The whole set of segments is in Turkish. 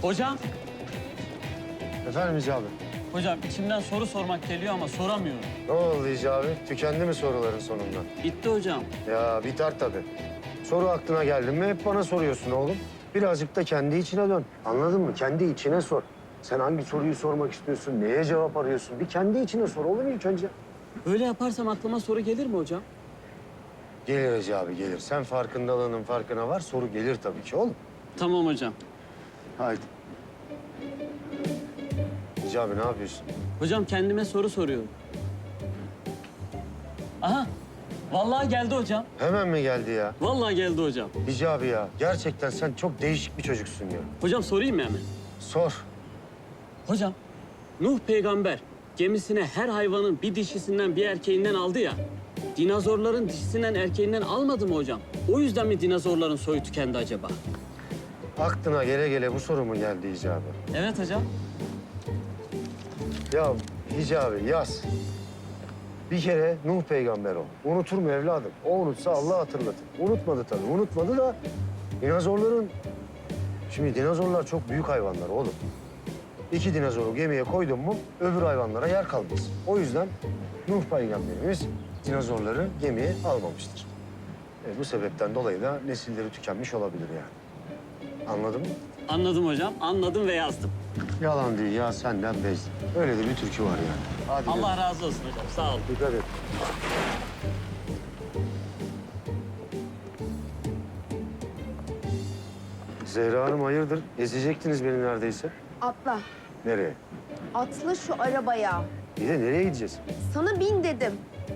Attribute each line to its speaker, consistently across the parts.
Speaker 1: Hocam,
Speaker 2: Efendim Hicabi?
Speaker 1: hocam içimden soru sormak geliyor ama soramıyorum.
Speaker 2: Ne oldu Hicabi? Tükendi mi soruların sonunda?
Speaker 1: Bitti hocam.
Speaker 2: Ya biter tabii. Soru aklına geldi mi hep bana soruyorsun oğlum. Birazcık da kendi içine dön. Anladın mı? Kendi içine sor. Sen hangi soruyu sormak istiyorsun? Neye cevap arıyorsun? Bir kendi içine sor oğlum ilk önce.
Speaker 1: Öyle yaparsam aklıma soru gelir mi hocam?
Speaker 2: Gelir Hicabi gelir. Sen farkındalığının farkına var. Soru gelir tabii ki oğlum.
Speaker 1: Tamam hocam.
Speaker 2: Haydi. Hicabi ne yapıyorsun?
Speaker 1: Hocam kendime soru soruyorum. Aha, vallahi geldi hocam.
Speaker 2: Hemen mi geldi ya?
Speaker 1: Vallahi geldi hocam.
Speaker 2: Hicabi ya gerçekten sen çok değişik bir çocuksun ya.
Speaker 1: Hocam sorayım mı hemen?
Speaker 2: Sor.
Speaker 1: Hocam, Nuh peygamber gemisine her hayvanın bir dişisinden bir erkeğinden aldı ya. Dinozorların dişisinden erkeğinden almadı mı hocam? O yüzden mi dinozorların soyu tükendi acaba?
Speaker 2: Aklına gele gele bu soru mu geldi Hicabi?
Speaker 1: Evet hocam.
Speaker 2: Ya Hicabi yaz. Bir kere Nuh peygamber o. Unutur mu evladım? O unutsa Allah hatırlatır. Unutmadı tabii. Unutmadı da dinozorların... Şimdi dinozorlar çok büyük hayvanlar oğlum. 2 dinozoru gemiye koydun mu öbür hayvanlara yer kalmaz. O yüzden Nuh peygamberimiz dinozorları gemiye almamıştır. Bu sebepten dolayı da nesilleri tükenmiş olabilir yani. Anladın mı?
Speaker 1: Anladım hocam, anladım ve yazdım.
Speaker 2: Yalan değil ya senden bezdim. Öyle de bir türkü var yani. Hadi
Speaker 1: Allah razı olsun hocam, sağ olun.
Speaker 2: dikkat et. Zehra Hanım hayırdır? Ezecektiniz beni neredeyse.
Speaker 3: Atla.
Speaker 2: Nereye?
Speaker 3: Atla şu arabaya.
Speaker 2: Bir de nereye gideceğiz?
Speaker 3: Sana bin dedim.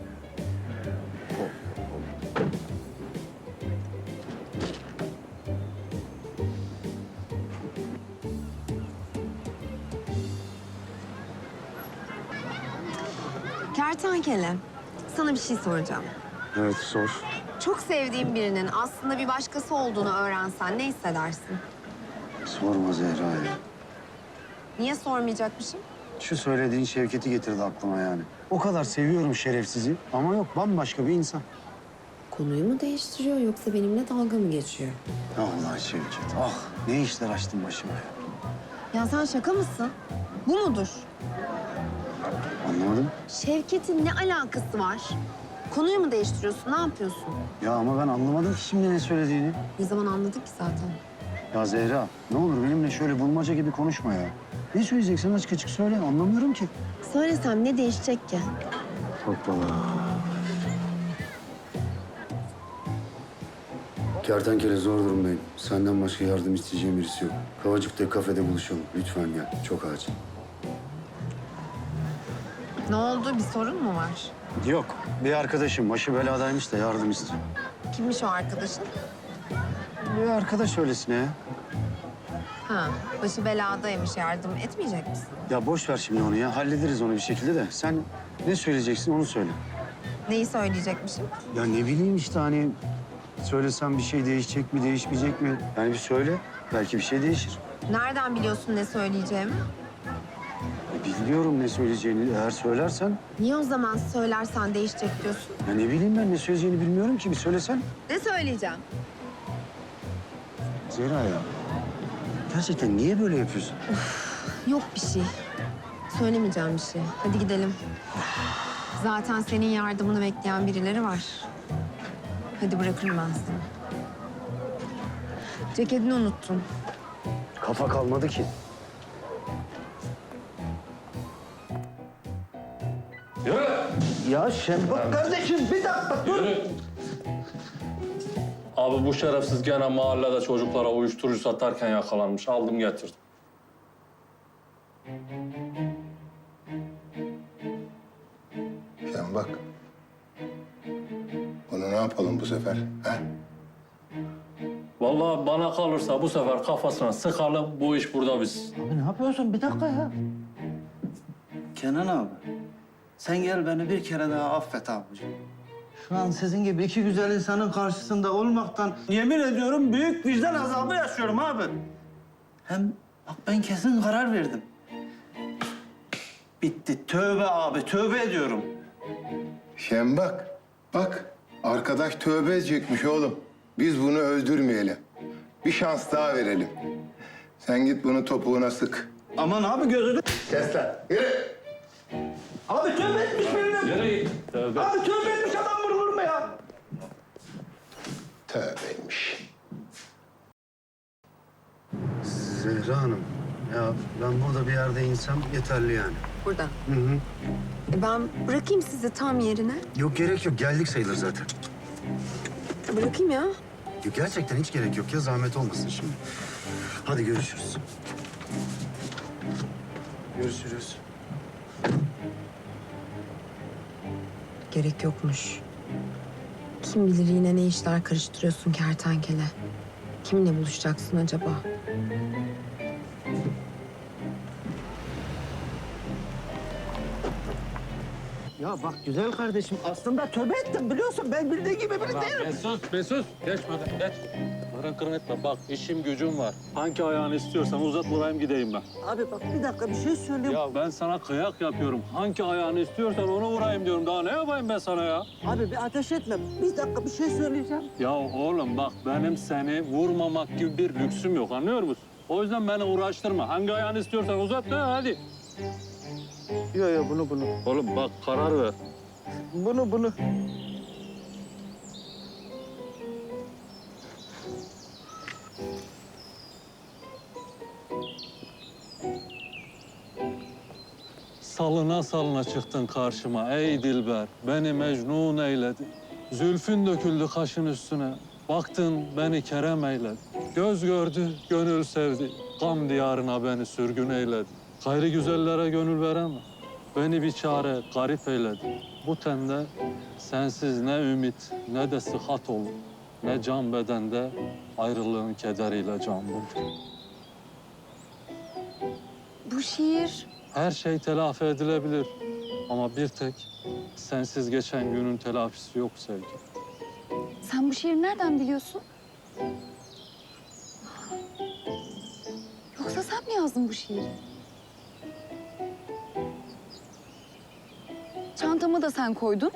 Speaker 3: Kertenkele, sana bir şey soracağım.
Speaker 2: Evet sor.
Speaker 3: Çok sevdiğin birinin aslında bir başkası olduğunu öğrensen ne hissedersin?
Speaker 2: Sorma Zehra ya.
Speaker 3: Niye sormayacakmışım?
Speaker 2: Şu söylediğin Şevket'i getirdi aklıma yani. O kadar seviyorum şerefsizi ama yok bambaşka bir insan.
Speaker 3: Konuyu mu değiştiriyor yoksa benimle dalga mı geçiyor?
Speaker 2: Allah Şevket ah ne işler açtın başıma ya.
Speaker 3: Ya sen şaka mısın? Bu mudur?
Speaker 2: Anlamadım.
Speaker 3: Şevket'in ne alakası var? Konuyu mu değiştiriyorsun? Ne yapıyorsun?
Speaker 2: Ya ama ben anlamadım ki şimdi ne söylediğini.
Speaker 3: Ne zaman anladık ki zaten?
Speaker 2: Ya Zehra ne olur benimle şöyle bulmaca gibi konuşma ya. Ne söyleyeceksen açık açık söyle anlamıyorum ki.
Speaker 3: Söylesem ne değişecek ki?
Speaker 2: Hoppala. Kertenkele zor durumdayım. Senden başka yardım isteyeceğim birisi yok. Kavacık'ta kafede buluşalım. Lütfen gel. Çok acil.
Speaker 3: Ne oldu? Bir sorun mu var?
Speaker 2: Yok. Bir arkadaşım başı beladaymış da yardım istiyor.
Speaker 3: Kimmiş o arkadaşın?
Speaker 2: Bir arkadaş öylesine ya.
Speaker 3: Ha, başı beladaymış. Yardım etmeyecek misin?
Speaker 2: Ya boş ver şimdi onu ya. Hallederiz onu bir şekilde de. Sen ne söyleyeceksin onu söyle.
Speaker 3: Neyi söyleyecekmişim?
Speaker 2: Ya ne bileyim işte hani söylesem bir şey değişecek mi, değişmeyecek mi? Yani bir söyle. Belki bir şey değişir.
Speaker 3: Nereden biliyorsun ne söyleyeceğimi?
Speaker 2: Biliyorum ne söyleyeceğini. Eğer söylersen...
Speaker 3: Niye o zaman söylersen değişecek diyorsun?
Speaker 2: Ya ne bileyim ben ne söyleyeceğini bilmiyorum ki. Bir söylesen.
Speaker 3: Ne söyleyeceğim?
Speaker 2: Zehra ya. Gerçekten niye böyle yapıyorsun?
Speaker 3: Yok bir şey. Söylemeyeceğim bir şey. Hadi gidelim. Zaten senin yardımını bekleyen birileri var. Hadi bırakırım ben seni. Ceketini unuttun.
Speaker 2: Kafa kalmadı ki.
Speaker 4: Yürü.
Speaker 5: Ya Şevkat kardeşim bir dakika dur.
Speaker 4: Yürü. Abi bu şerefsiz gene mahallede çocuklara uyuşturucu satarken yakalanmış. Aldım getirdim.
Speaker 6: Sen bak. Bunu ne yapalım bu sefer? Ha?
Speaker 4: Vallahi bana kalırsa bu sefer kafasına sıkalım. Bu iş burada biz.
Speaker 5: Abi ne yapıyorsun? Bir dakika ya. Kenan abi, sen gel beni bir kere daha affet abicim. Şu an sizin gibi iki güzel insanın karşısında olmaktan yemin ediyorum büyük vicdan azabı yaşıyorum abi. Hem bak ben kesin karar verdim. Bitti. Tövbe abi, tövbe ediyorum.
Speaker 6: Sen bak. Bak. Arkadaş tövbe edecekmiş oğlum. Biz bunu öldürmeyelim. Bir şans daha verelim. Sen git bunu topuğuna sık.
Speaker 5: Aman abi gözünü...
Speaker 6: Kes lan. Yürü.
Speaker 5: Abi tövbe etmiş benim.
Speaker 4: Nereye git? Tövbe.
Speaker 5: Abi tövbe etmiş adam vurulur mu ya?
Speaker 6: Tövbeymiş.
Speaker 2: Zehra Hanım, ya ben burada bir yerde insem yeterli yani.
Speaker 3: Burada.
Speaker 2: Hı hı.
Speaker 3: Ben bırakayım sizi tam yerine.
Speaker 2: Yok gerek yok, geldik sayılır zaten.
Speaker 3: Bırakayım ya.
Speaker 2: Yok, gerçekten hiç gerek yok ya, zahmet olmasın şimdi. Hadi görüşürüz. Görüşürüz.
Speaker 3: Gerek yokmuş. Kim bilir yine ne işler karıştırıyorsun kertenkele. Kiminle buluşacaksın acaba?
Speaker 5: Ya bak güzel kardeşim aslında tövbe ettim biliyorsun. Ben bildiğin gibi biri değilim.
Speaker 4: Mesut, geçmeden geç. Kırın etme, bak işim gücüm var. Hangi ayağını istiyorsan uzat, vurayım gideyim ben.
Speaker 5: Abi bak bir dakika bir şey söyleyeyim.
Speaker 4: Ya ben sana kıyak yapıyorum. Hangi ayağını istiyorsan onu vurayım diyorum. Daha ne yapayım ben sana ya?
Speaker 5: Abi bir ateş etme. Bir dakika bir şey söyleyeceğim.
Speaker 4: Ya oğlum bak benim seni vurmamak gibi bir lüksüm yok, anlıyor musun? O yüzden beni uğraştırma. Hangi ayağını istiyorsan uzat da hadi.
Speaker 5: Yo bunu.
Speaker 4: Oğlum bak karar ver.
Speaker 5: Bunu.
Speaker 4: Salına salına çıktın karşıma ey dilber. Beni mecnun eyledin. Zülfün döküldü kaşın üstüne. Baktın beni kerem eyledi. Göz gördü, gönül sevdi. Gam diyarına beni sürgün eyledi. Gayri güzellere gönül veremem. Beni bir çare garip eyledi. Bu tende sensiz ne ümit ne de sıhhat olur. Ne can bedende ayrılığın kederiyle can bulur.
Speaker 3: Bu şiir
Speaker 4: Her şey telafi edilebilir. Ama bir tek sensiz geçen günün telafisi yok sevgi.
Speaker 7: Sen bu şiiri nereden biliyorsun? Yoksa sen mi yazdın bu şiiri? Çantamı da sen koydun.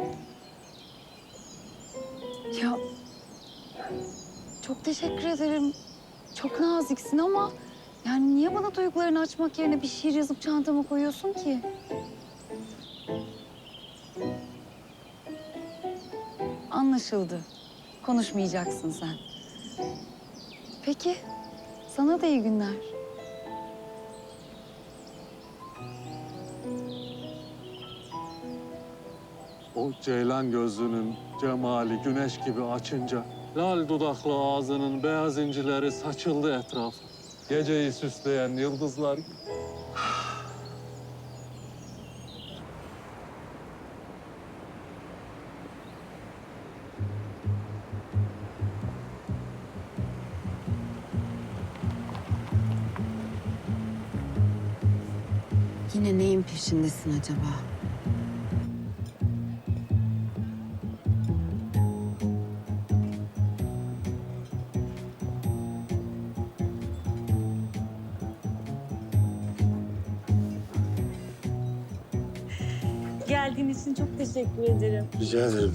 Speaker 7: Ya çok teşekkür ederim. Çok naziksin ama yani niye bana duygularını açmak yerine bir şiir yazıp çantama koyuyorsun ki? Anlaşıldı. Konuşmayacaksın sen. Peki. Sana da iyi günler.
Speaker 4: O ceylan gözlünün cemali güneş gibi açınca lal dudaklı ağzının beyaz incileri saçıldı etrafa. Geceyi süsleyen yıldızlar gibi.
Speaker 3: yine neyin peşindesin acaba?
Speaker 8: Geldiğin için çok teşekkür ederim.
Speaker 2: Rica ederim.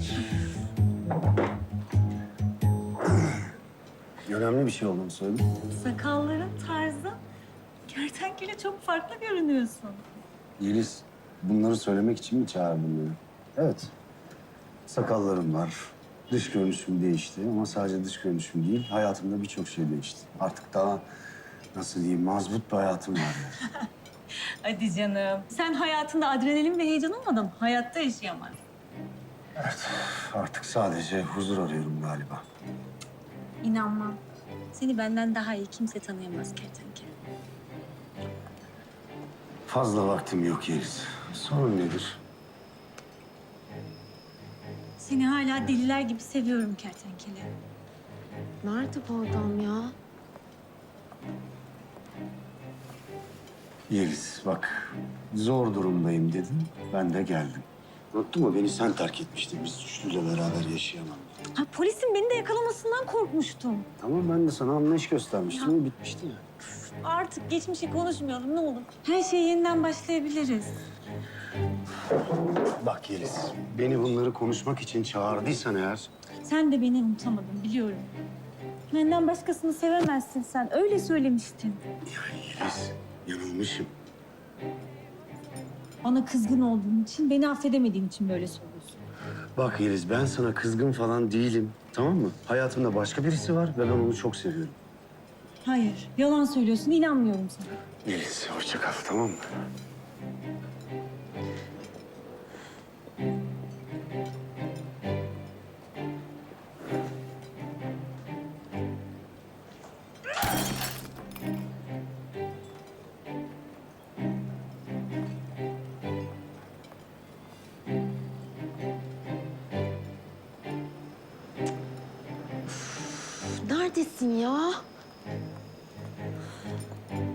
Speaker 2: Önemli bir şey olduğunu söyledim.
Speaker 8: Sakalların tarzı, kertenkele çok farklı görünüyorsun.
Speaker 2: Yeliz, bunları söylemek için mi çağırdın beni? Evet. Sakallarım var. Dış görünüşüm değişti ama sadece dış görünüşüm değil, hayatımda birçok şey değişti. Artık daha, nasıl diyeyim, mazbut bir hayatım var yani.
Speaker 8: Hadi canım. Sen hayatında adrenalin ve heyecan olmadan hayatta yaşayamazsın.
Speaker 2: Artık sadece huzur arıyorum galiba.
Speaker 8: İnanmam. Seni benden daha iyi kimse tanıyamaz kertenkele.
Speaker 2: Fazla vaktim yok Yeliz. Sorun nedir?
Speaker 8: Seni hala deliler gibi seviyorum kertenkele.
Speaker 3: Nerede bu adam ya?
Speaker 2: Yeliz bak, zor durumdayım dedin, ben de geldim. Unuttun mu? Beni sen terk etmiştin. Biz üçlüyle beraber yaşayamam.
Speaker 8: Ha, polisin beni de yakalamasından korkmuştum.
Speaker 2: Tamam, ben de sana anlayış göstermiştim ama bitmişti ya.
Speaker 8: Artık geçmişi konuşmayalım ne olur. Her şeye yeniden başlayabiliriz.
Speaker 2: Bak Yeliz, beni bunları konuşmak için çağırdıysan eğer...
Speaker 8: Sen de beni unutamadın biliyorum. Benden başkasını sevemezsin sen. Öyle söylemiştin.
Speaker 2: Yeliz, yanılmışım.
Speaker 8: Bana kızgın olduğun için, beni affedemediğin için böyle söylüyorsun.
Speaker 2: Bak Yeliz, ben sana kızgın falan değilim. Tamam mı? Hayatımda başka birisi var ve ben onu çok seviyorum.
Speaker 8: Hayır, yalan söylüyorsun. İnanmıyorum sana.
Speaker 2: Yeliz, hoşça kal, tamam mı?
Speaker 3: Neredesin ya?